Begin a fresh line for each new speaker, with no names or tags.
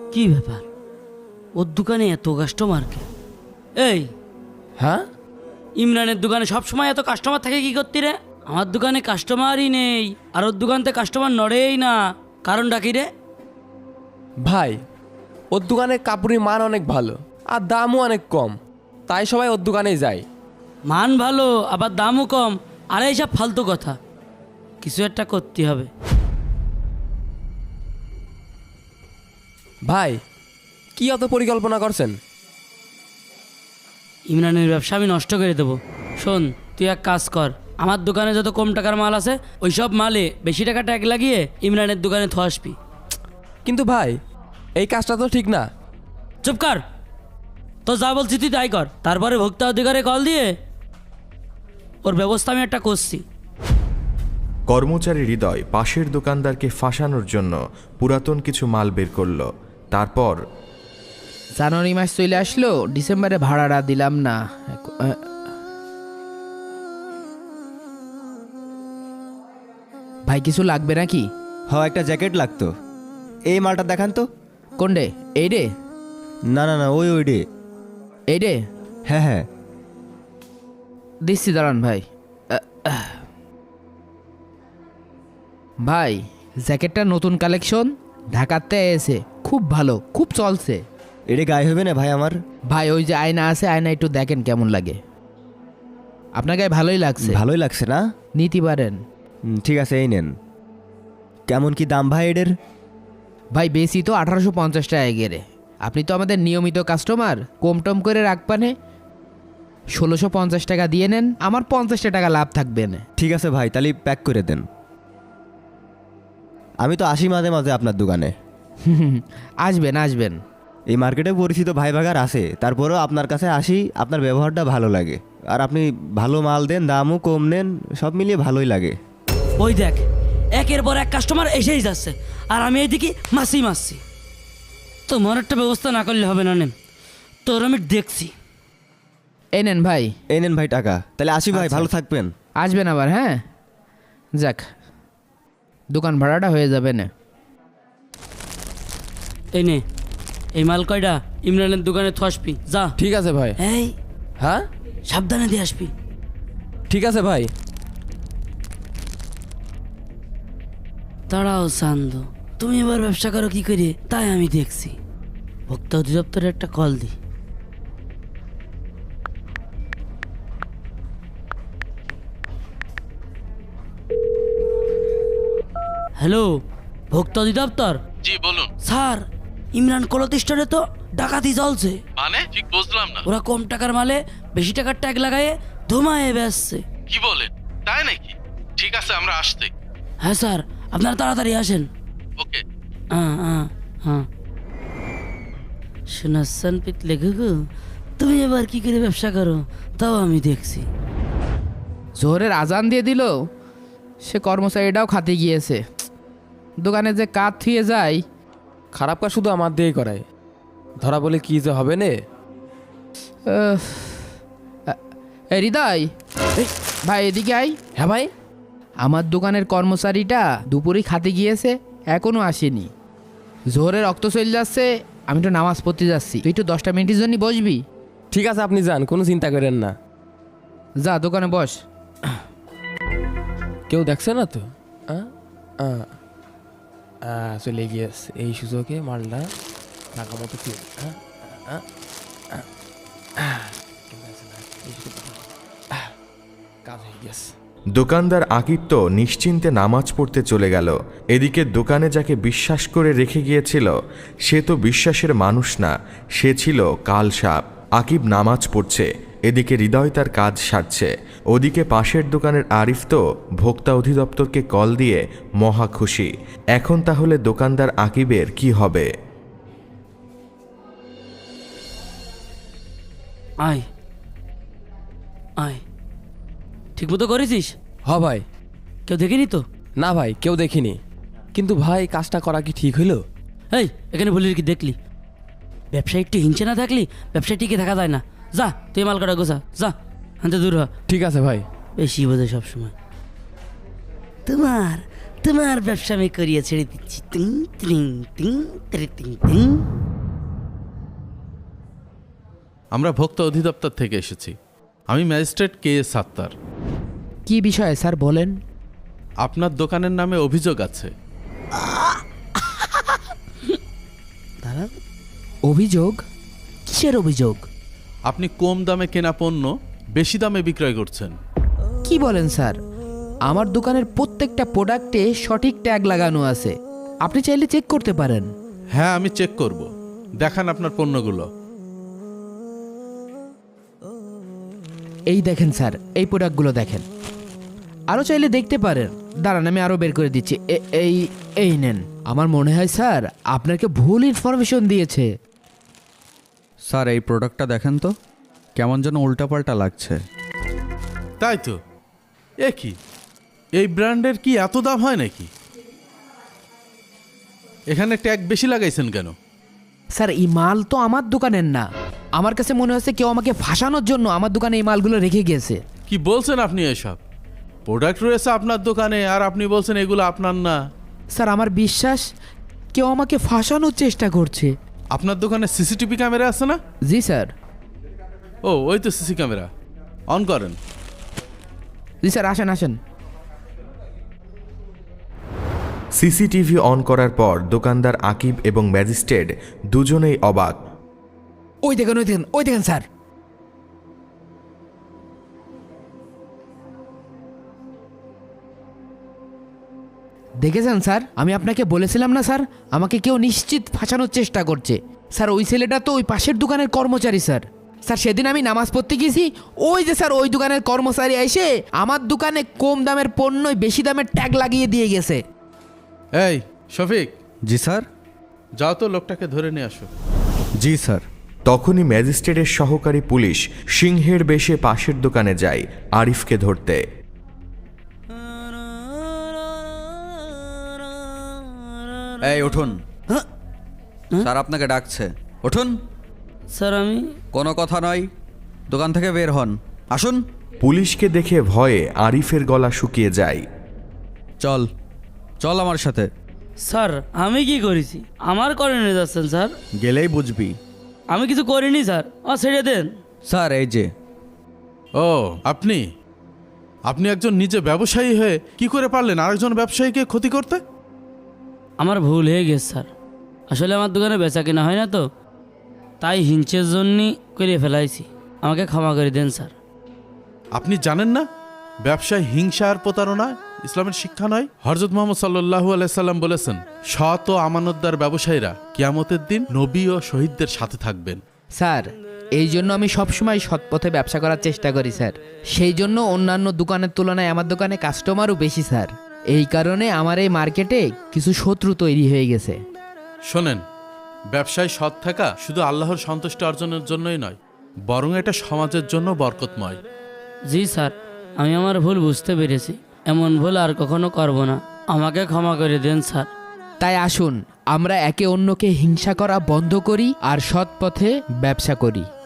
কি ব্যাপার, ওর দোকানে এত কাস্টমার কে? এই
হ্যাঁ
ইমরানের দোকানে সবসময় এত কাস্টমার থাকে কি করতি রে? আমার দোকানে কাস্টমারই নেই, আর ওর দোকান থেকে কাস্টমার নড়েই না। কারণটা কি রে?
ভাই, ওর দোকানের কাপড়ের মান অনেক ভালো আর দামও অনেক কম, তাই সবাই ওর দোকানেই যায়।
মান ভালো আবার দামও কম, আর এইসব ফালতু কথা। কিছু একটা করতে হবে।
ভাই, কি অত পরিকল্পনা করছেন?
ইমরানের ব্যবসা আমি নষ্ট করে দেবো। শোন, তুই এক কাজ কর, আমার দোকানে যত কম টাকার মাল আছে ওই সব মালে বেশি টাকা ট্যাগ লাগিয়ে ইমরানের দোকানে আসবি।
কিন্তু ভাই, এই কাজটা তো ঠিক না।
চুপ কর, তো যা বলছি তুই তাই কর। তারপরে ভোক্তা অধিকারে কল দিয়ে ওর ব্যবস্থা আমি একটা করছি।
কর্মচারী হৃদয় পাশের দোকানদারকে ফাঁসানোর জন্য পুরাতন কিছু মাল বের করল। তারপর
জানুয়ারি মাস চলে আসলো, ডিসেম্বরে ভাড়াটা দিলাম না। ভাই কিছু লাগবে নাকি?
একটা জ্যাকেট লাগতো। এই মালটা দেখান তো।
কোন রে? এই রে?
না না না, ওই রে।
এই রে?
হ্যাঁ হ্যাঁ,
দিচ্ছি, দাঁড়ান ভাই। ভাই, জ্যাকেটটা নতুন কালেকশন, ঢাকাতে এসে খুব ভালো, খুব চলছে।
এটা গায়ে হবে না ভাই আমার?
ভাই ওই যে আয়না আছে, আয়না একটু দেখেন কেমন লাগে। আপনার গায়ে ভালোই লাগছে,
ভালোই লাগছে না?
নিতে পারেন।
ঠিক আছে, এই নেন। কেমন কি দাম ভাই এদের?
ভাই বেশি তো 1850 টাকা গেরে। আপনি তো আমাদের নিয়মিত কাস্টমার, কম টম করে রাখবানে 1650 টাকা দিয়ে নেন, আমার 50 টাকা লাভ থাকবে না।
ঠিক আছে ভাই, তাহলে প্যাক করে দেন। আমি তো আসি মাঝে মাঝে আপনার দোকানে।
আসবেন আসবেন।
এই মার্কেটে পরিচিত ভাই ভাগার আছে, তারপরেও আপনার কাছে আসি, আপনার ব্যবহারটা ভালো লাগে। আর আপনি ভালো মাল দেন, দামও কম নেন, সব মিলিয়ে ভালোই লাগে।
ওই দেখ, একের পর এক কাস্টমার এসেই যাচ্ছে, আর আমি এইদিকে মাসি। তোমার একটা ব্যবস্থা না করলে হবে না। নেন, তোর আমি দেখছি।
এই নেন ভাই।
এই নেন ভাই টাকা। তাহলে আসি ভাই, ভালো থাকবেন।
আসবেন আবার, হ্যাঁ? যাক, দোকান ভাড়াটা হয়ে যাবে না।
এই নে, এই মাল কয়টা ইমরানের দোকানে আসবি, যা।
ঠিক আছে ভাই।
এই
হ্যাঁ,
সাবধানে দিয়ে আসবি।
ঠিক আছে ভাই।
দাঁড়াও চান্দ, তুমি এবার ব্যবসা করো কি করে তাই আমি দেখছি। ভোক্তা অধিদপ্তরে একটা কল দি। হ্যালো, ভোক্তা অধিদপ্তর?
জি বলুন।
স্যার, ইমরান কলতিষ্ঠানে তো ডাকাতি চলছে।
মানে ঠিক বুঝলাম না।
ওরা কম টাকার মালে বেশি টাকার ট্যাগ লাগায়ে ধুমায়ে বেচছে।
কি বলেন, তাই নাকি? ঠিক আছে, আমরা আসতে।
হ্যাঁ স্যার, আপনারা তাড়াতাড়ি আসেন।
ওকে।
হ্যাঁ শোনাচ্ছেন পিত লেখু, তুমি এবার কি করে ব্যবসা করো তাও আমি দেখছি।
জোহরের আজান দিয়ে দিল, সে কর্মচারীটাও খাতে গিয়েছে। দোকানে যে কাজ থুয়ে যায়।
খারাপ কাজ শুধু আমার দিয়েই করায়, ধরা বলে কি যে হবে নে।
এই হৃদয়, ভাই এদিকে আই।
হ্যাঁ ভাই।
আমার দোকানের কর্মচারীটা দুপুরেই খাতে গিয়েছে, এখনো আসেনি। জোহরের রক্ত চলে যাচ্ছে, আমি তো নামাজ পড়তে যাচ্ছি, তুই একটু 10টা মিনিটের জন্য বসবি?
ঠিক আছে, আপনি যান, কোনো চিন্তা করেন না।
যা দোকানে বস।
কেউ দেখছে না তো? চলে গিয়েছে, এই সুযোগে মালটা টাকা মতো কি কাজ হয়ে গেছে।
দোকানদার আকিব তো নিশ্চিন্তে নামাজ পড়তে চলে গেল। এদিকে দোকানে যাকে বিশ্বাস করে রেখে গিয়েছিল সে তো বিশ্বাসের মানুষ না, সে ছিল কালসাপ। আকিব নামাজ পড়ছে, এদিকে হৃদয় তার কাজ সারছে। ওদিকে পাশের দোকানের আরিফ তো ভোক্তা অধিদপ্তরকে কল দিয়ে মহা খুশি। এখন তাহলে দোকানদার আকিবের কি হবে?
আয় আয়, ঠিক মতো করেছিস?
হ ভাই।
কেউ দেখেনি তো?
না ভাই, কেউ দেখিনি। কিন্তু ভাই, কাজটা করা কি ঠিক হইল?
এই এখানে বলি কি দেখলি? ব্যবসায়ী একটু হিংসে না থাকলি ব্যবসায় টিকে থাকা যায় না। যা তুই মাল কাটা গোছা, যা হাতে দূর হ।
ঠিক আছে ভাই।
বেশি বোঝে সবসময়। তোমার তোমার ব্যবসা আমি করিয়ে ছেড়ে দিচ্ছি। টিং টিং টিং টিং টিং টিং।
আমরা ভোক্তা অধিদপ্তর থেকে এসেছি। আমি ম্যাজিস্ট্রেট KS সাত্তার।
কি বিষয়ে স্যার বলেন?
আপনার দোকানের নামে অভিযোগ আছে।
অভিযোগ? কিসের অভিযোগ?
আপনি কম দামে কেনা পণ্য বেশি দামে বিক্রয় করছেন।
কি বলেন স্যার? আমার দোকানের প্রত্যেকটা প্রোডাক্টে সঠিক ট্যাগ লাগানো আছে, আপনি চাইলে চেক করতে পারেন।
হ্যাঁ, আমি চেক করব। দেখান আপনার পণ্যগুলো।
এই দেখেন স্যার, এই প্রোডাক্টগুলো দেখেন। আরও চাইলে দেখতে পারেন। দাঁড়ান, আমি আরও বের করে দিচ্ছি। এই এই নেন। আমার মনে হয় স্যার আপনাকে ভুল ইনফরমেশন দিয়েছে।
স্যার এই প্রোডাক্টটা দেখেন তো, কেমন যেন উল্টাপাল্টা লাগছে।
তাই তো। এ কি, এই ব্র্যান্ডের কি এত দাম হয় নাকি? এখানে ট্যাগ বেশি লাগাইছেন কেন?
স্যার এই মাল তো আমার দোকানের না। আমার কাছে মনে হচ্ছে কেউ আমাকে ফাঁসানোর জন্য আমার দোকানে এই মালগুলো রেখে গিয়েছে।
কি বলছেন আপনি এসব? প্রোডাক্ট রয়েছে আপনার দোকানে আর আপনি বলছেন এগুলো আপনার না।
স্যার আমার বিশ্বাস কেউ আমাকে ফাঁসানোর চেষ্টা করছে।
আপনার দোকানে CCTV ক্যামেরা আছে না?
জি স্যার।
ও, ওই তো CC ক্যামেরা। অন করেন।
জি স্যার, আসেন আসেন।
সিসিটিভি অন করার পর দোকানদার আকিব এবং ম্যাজিস্ট্রেট দুজনেই অবাক।
ওই দেখেন ওই দেখেন ওই দেখেন স্যার। দেখেছেন স্যার, আমি আপনাকে বলেছিলাম না স্যার, আমাকে কেউ নিশ্চিত ফাঁসানোর চেষ্টা করছে। স্যার ওই ছেলেটা তো ওই পাশের দোকানের কর্মচারী স্যার। স্যার সেদিন আমি নামাজ পড়তে গেছি, ওই যে স্যার ওই দোকানের কর্মচারী এসে আমার দোকানে কম দামের পণ্যই বেশি দামের ট্যাগ লাগিয়ে দিয়ে গেছে।
এই শফিক,
জি স্যার।
যাও তো লোকটাকে ধরে নিয়ে আসো।
জি স্যার।
তখনই ম্যাজিস্ট্রেটের সহকারী পুলিশ সিংহের বেশে পাশের দোকানে যায় আরিফকে ধরতে।
এই উঠুন, স্যার আপনাকে ডাকছে, উঠুন।
স্যার আমি
কোনো কথা নয়, দোকান থেকে বের হন, আসুন।
পুলিশকে দেখে ভয়ে আরিফের গলা শুকিয়ে যায়।
চল চল আমার সাথে।
স্যার আমি কি করেছি? আমার করে নিয়ে যাচ্ছেন স্যার?
গেলেই বুঝবি।
আমি কিছু করিনি স্যার, ছেড়ে দেন।
স্যার এই যে।
ও, আপনি আপনি একজন নিজে ব্যবসায়ী হয়ে কি করে পারলেন আরেকজন ব্যবসায়ীকে ক্ষতি করতে?
আমার ভুল হয়ে গেছে স্যার। আসলে আমার দোকানে বেচা কেনা হয় না তো, তাই হিংসের জন্যই করে ফেলাইছি। আমাকে ক্ষমা করে দেন স্যার।
আপনি জানেন না ব্যবসায় হিংসা আর প্রতারণা ইসলামের শিক্ষা নয়? হযরত মুহাম্মদ সাল্লাল্লাহু আলাইহি সাল্লাম বলেছেন, সৎ ও আমানতদার ব্যবসায়ীরা কিয়ামতের দিন নবী ও শহীদদের সাথে থাকবেন।
স্যার এই জন্য আমি সবসময় সৎ পথে ব্যবসা করার চেষ্টা করি স্যার। সেই জন্য অন্যান্য দোকানের তুলনায় আমার দোকানে কাস্টমারও বেশি স্যার। এই কারণে আমার এই মার্কেটে কিছু শত্রু তৈরি হয়ে গেছে।
শোনেন, ব্যবসায় সৎ থাকা শুধু আল্লাহর সন্তুষ্টি অর্জনের জন্যই নয়, বরং এটা সমাজের জন্য বরকতময়।
জি স্যার, আমি আমার ভুল বুঝতে পেরেছি। এমন ভুল আর কখনো করব না। আমাকে ক্ষমা করে দেন স্যার।
তাই আসুন আমরা একে অন্যকে হিংসা করা বন্ধ করি আর সৎ পথে ব্যবসা করি।